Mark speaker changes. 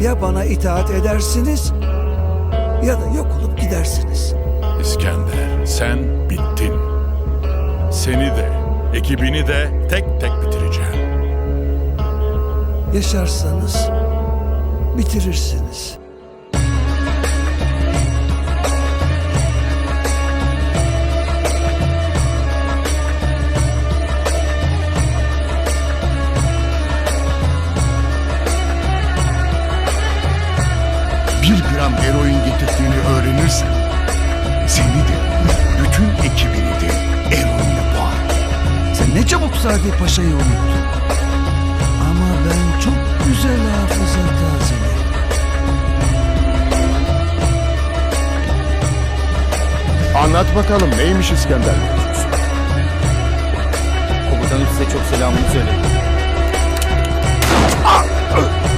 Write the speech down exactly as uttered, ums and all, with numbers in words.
Speaker 1: Ya bana itaat edersiniz ya da yok olup gidersiniz.
Speaker 2: İskender, sen bittin. Seni de, ekibini de tek tek bitireceğim.
Speaker 1: Yaşarsanız bitirirsiniz.
Speaker 3: Bir gram eroin getirdiğini öğrenirsen seni de bütün ekibini de eroinle boğar.
Speaker 1: Sen ne çabuk Sadi Paşa'yı unuttun. Ama ben çok güzel hafıza tazelerim.
Speaker 3: Anlat bakalım neymiş İskender?
Speaker 4: Komutanım size çok selamını söyledi.
Speaker 3: Ah!